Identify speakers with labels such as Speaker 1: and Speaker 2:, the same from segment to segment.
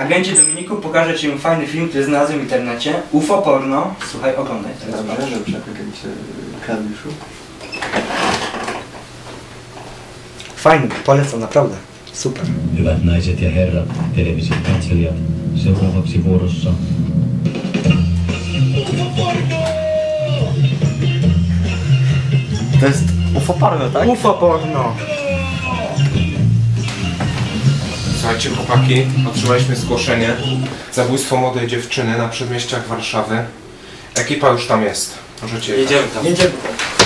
Speaker 1: Agencie Dominiku, pokażę ci fajny film, który znalazłem w internecie. UFO porno. Słuchaj, oglądaj.
Speaker 2: Dobrze, agencie Klawiszu.
Speaker 1: Fajny, polecam, naprawdę. Super.
Speaker 3: Hyvät naiset ja herrat, television katselijat, seuraavaksi vuorossa.
Speaker 2: To jest UFO porno, tak?
Speaker 1: UFO porno.
Speaker 4: Słuchajcie chłopaki, otrzymaliśmy zgłoszenie. Zabójstwo młodej dziewczyny na przedmieściach Warszawy. Ekipa już tam jest. Możecie jechać.
Speaker 2: Jedziemy tam.
Speaker 1: Jedziemy.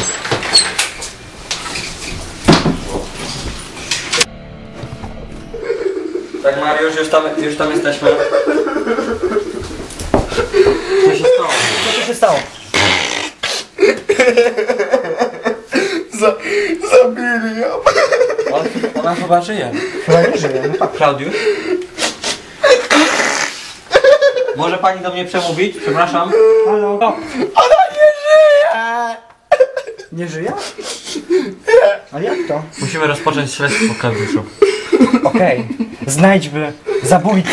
Speaker 2: Tak Mariusz, już tam jesteśmy. Co się stało?
Speaker 1: Co tu się stało?
Speaker 4: Zabili ją.
Speaker 2: Ona chyba żyje.
Speaker 1: Chyba nie żyje, no tak.
Speaker 2: Klaudiusz? Może pani do mnie przemówić? Przepraszam.
Speaker 1: Halo? O.
Speaker 4: Ona nie żyje!
Speaker 1: Nie żyje? Nie. Ale jak to?
Speaker 2: Musimy rozpocząć śledztwo, Klaudiuszu.
Speaker 1: Okej. Znajdźmy zabójcę.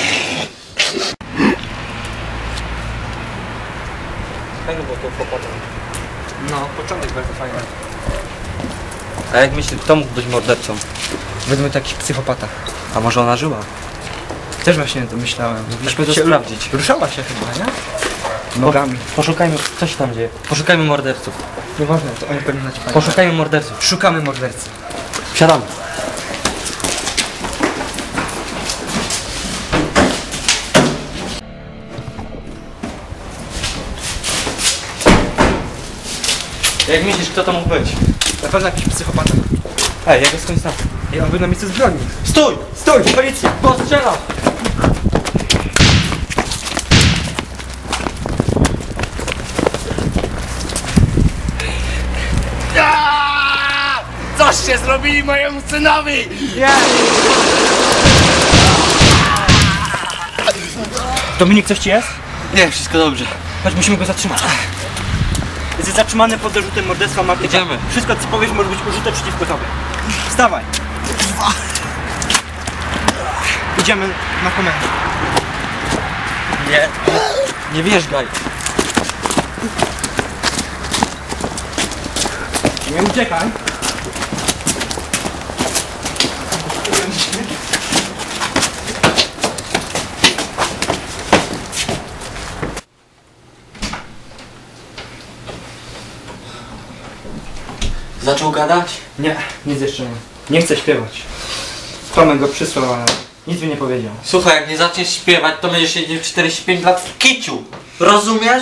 Speaker 2: Fajnie było to potem.
Speaker 1: No, początek bardzo fajny.
Speaker 2: A jak myślisz, kto mógł być mordercą?
Speaker 1: Według takich psychopatach.
Speaker 2: A może ona żyła?
Speaker 1: Też właśnie to myślałem.
Speaker 2: Musimy to
Speaker 1: Się
Speaker 2: sprawdzić.
Speaker 1: Ruszała się chyba, nie? Nogami.
Speaker 2: Poszukajmy, co się tam dzieje? Poszukajmy morderców.
Speaker 1: Nieważne, to oni pewnie nacipają.
Speaker 2: Poszukajmy morderców.
Speaker 1: Szukamy mordercy.
Speaker 2: Wsiadamy. Jak myślisz, kto to mógł być?
Speaker 1: Na pewno jakiś psychopata.
Speaker 2: Ej, ja go skądś znam.
Speaker 1: Ej, on był na miejscu zbrodni.
Speaker 2: Stój!
Speaker 1: Stój! Policja!
Speaker 2: Postrzelam!
Speaker 5: Coście zrobili mojemu synowi!
Speaker 1: Dominik, coś ci jest?
Speaker 2: Nie, wszystko dobrze.
Speaker 1: Chodź, musimy go zatrzymać. Jesteś zatrzymany pod zarzutem morderstwa Martyka.
Speaker 2: Idziemy.
Speaker 1: Wszystko, co powiesz, może być użyte przeciwko tobie. Wstawaj. Idziemy na komendę.
Speaker 2: Nie. Nie wjeżdżaj.
Speaker 1: Nie uciekaj.
Speaker 2: Zaczął gadać?
Speaker 1: Nie, nic jeszcze nie. Nie chcę śpiewać. Tomek go przysłał, ale nic mi nie powiedział.
Speaker 2: Słuchaj, jak nie zaczniesz śpiewać, to będziesz siedział 45 lat w kiciu. Rozumiesz?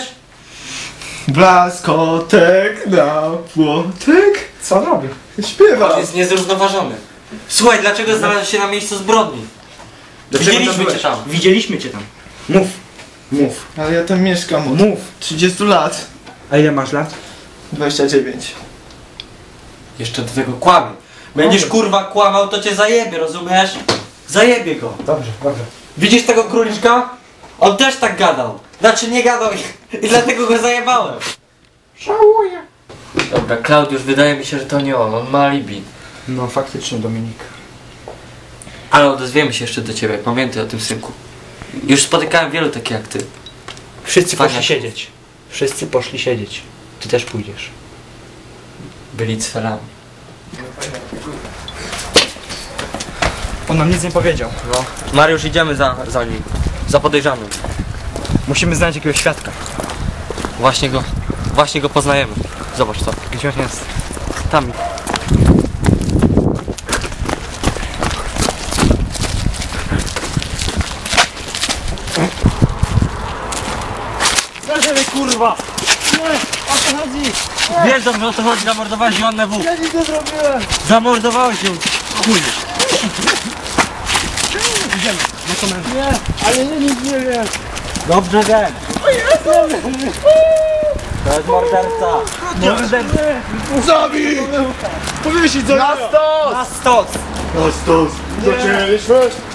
Speaker 5: Blaskotek na płotek.
Speaker 1: Co on robi?
Speaker 5: Śpiewa.
Speaker 2: On jest niezrównoważony. Słuchaj, dlaczego znalazłeś się na miejscu zbrodni? Widzieliśmy cię tam.
Speaker 1: Widzieliśmy cię tam. Mów. Mów.
Speaker 5: Ale ja tam mieszkam od
Speaker 1: Mów.
Speaker 5: 30 lat.
Speaker 1: A ile masz lat?
Speaker 5: 29.
Speaker 2: Jeszcze do tego kłamie. Będziesz kurwa kłamał, to cię zajebie, rozumiesz? Zajebie go.
Speaker 1: Dobrze, dobrze.
Speaker 2: Widzisz tego króliczka? On też tak gadał. Znaczy nie gadał i dlatego go zajebałem.
Speaker 1: Żałuję.
Speaker 2: Dobra, Klaudiusz, wydaje mi się, że to nie on ma alibi.
Speaker 1: No faktycznie, Dominik.
Speaker 2: Ale odezwiemy się jeszcze do ciebie, pamiętaj o tym, synku. Już spotykałem wielu takich jak ty.
Speaker 1: Wszyscy
Speaker 2: Fajnie.
Speaker 1: poszli siedzieć. Wszyscy poszli siedzieć. Ty też pójdziesz.
Speaker 2: Byli cfelami.
Speaker 1: On nam nic nie powiedział.
Speaker 2: No. Mariusz, idziemy za nim. Za podejrzanym.
Speaker 1: Musimy znaleźć jakiegoś świadka.
Speaker 2: Właśnie go poznajemy. Zobacz co.
Speaker 1: Gdzie on jest?
Speaker 2: Tam.
Speaker 1: Zażery, kurwa! Nie! O co chodzi?
Speaker 2: Wiesz dobrze o co chodzi, zamordowałeś Joannę W.
Speaker 1: Ja nic nie zrobiłem!
Speaker 2: Zamordowałeś ją. Chuj.
Speaker 1: Idziemy na komendę.
Speaker 5: Nie, ale ja nic nie wiem.
Speaker 2: Dobrze wiem. To jest morderca.
Speaker 1: Morderca!
Speaker 5: Zabij! Powiesić za
Speaker 1: Na stos!
Speaker 5: Na stos! Zaczęliśmy?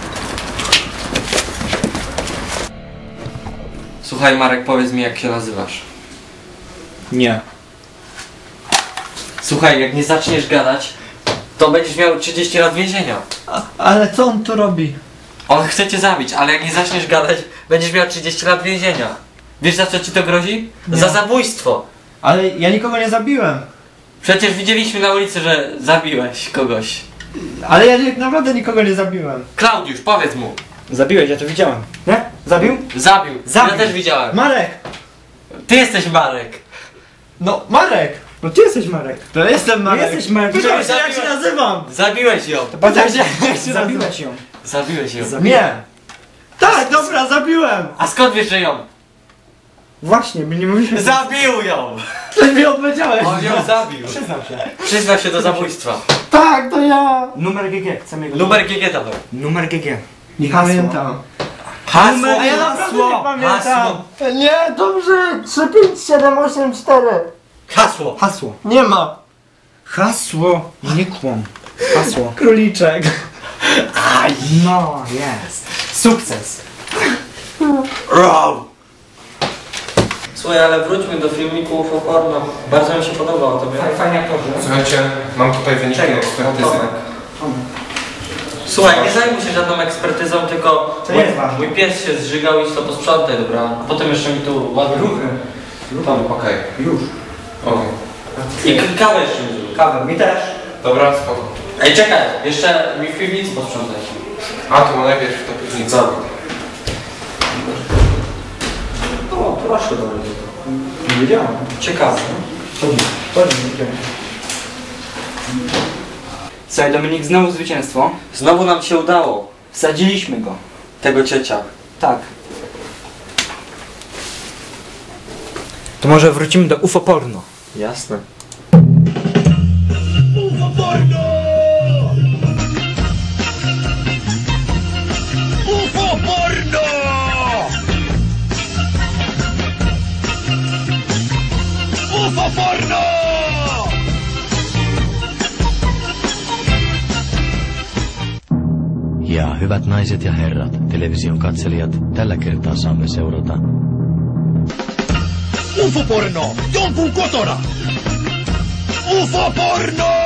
Speaker 2: Słuchaj Marek, powiedz mi jak się nazywasz.
Speaker 5: Nie.
Speaker 2: Słuchaj, jak nie zaczniesz gadać, to będziesz miał 30 lat więzienia.
Speaker 5: Ale co on tu robi?
Speaker 2: On chce cię zabić, ale jak nie zaczniesz gadać, będziesz miał 30 lat więzienia. Wiesz za co ci to grozi?
Speaker 1: Nie.
Speaker 2: Za zabójstwo.
Speaker 1: Ale ja nikogo nie zabiłem.
Speaker 2: Przecież widzieliśmy na ulicy, że zabiłeś kogoś.
Speaker 1: Ale ja naprawdę nikogo nie zabiłem.
Speaker 2: Klaudiusz, powiedz mu.
Speaker 1: Zabiłeś, ja to widziałem. Nie? Zabił?
Speaker 2: Zabił.
Speaker 1: Zabił.
Speaker 2: Ja też widziałem.
Speaker 1: Marek!
Speaker 2: Ty jesteś Marek.
Speaker 1: No, Marek! No ty jesteś Marek.
Speaker 5: To jestem Marek.
Speaker 1: Ty jesteś Marek.
Speaker 5: Pytałeś się jak
Speaker 2: Zabiłem.
Speaker 5: się nazywam.
Speaker 2: Zabiłeś ją.
Speaker 1: Pytałeś
Speaker 5: jak się
Speaker 1: Zabiłeś ją.
Speaker 2: Zabiłeś ją.
Speaker 5: Nie. Tak, dobra, zabiłem.
Speaker 2: A skąd wiesz, że ją?
Speaker 1: Właśnie, my nie mówiliśmy...
Speaker 2: Zabił ją!
Speaker 5: Ty mi odpowiedziałeś.
Speaker 2: On ją zabił.
Speaker 1: Przyznał się.
Speaker 2: Przyznał się do zabójstwa.
Speaker 5: Tak, to ja.
Speaker 1: Numer GG, chcemy jego...
Speaker 2: Numer GG dawaj.
Speaker 1: Numer GG.
Speaker 5: Nie
Speaker 1: Hasło.
Speaker 5: pamiętam.
Speaker 2: Hasło.
Speaker 5: A ja naprawdę nie pamiętam.
Speaker 2: Hasło.
Speaker 5: Nie, dobrze. 3, 5, 7, 8, 4.
Speaker 2: Hasło.
Speaker 1: Hasło.
Speaker 5: Nie ma.
Speaker 1: Hasło. Nie kłam. Hasło.
Speaker 5: Króliczek.
Speaker 1: No, jest. Sukces.
Speaker 2: Row. Słuchaj, ale wróćmy do filmiku UFO porno. Bardzo mi się podobał tobie.
Speaker 1: Fajnie aktorzy.
Speaker 4: Słuchajcie, mam tutaj wyniki ekspertyzy.
Speaker 2: Słuchaj, nie zajmuj się żadną ekspertyzą, tylko
Speaker 1: To jest ważne.
Speaker 2: mój pies się zżygał i to posprzątaj, dobra? A potem jeszcze mi tu ładnie
Speaker 1: Ruchy.
Speaker 4: Okej.
Speaker 1: Już.
Speaker 4: Okej.
Speaker 2: I kawę jeszcze mi zrób.
Speaker 1: Kawę, mi też.
Speaker 4: Dobra, spoko.
Speaker 2: Ej, czekaj, jeszcze mi w piwnicy posprzątaj.
Speaker 4: A, to najpierw to piwnica.
Speaker 2: O, proszę bardzo.
Speaker 1: Nie wiedziałem.
Speaker 2: Ciekawe.
Speaker 1: Chodź, Słuchaj, Dominik, znowu zwycięstwo.
Speaker 2: Znowu nam się udało.
Speaker 1: Wsadziliśmy go.
Speaker 2: Tego ciecia.
Speaker 1: Tak. To może wrócimy do UFO porno.
Speaker 2: Jasne.
Speaker 6: UFO porno! UFO porno!
Speaker 3: Ja hyvät naiset ja herrat, television katselijat, tällä kertaa saamme seurata
Speaker 6: UFO porno! Jonkun kotona! UFO porno!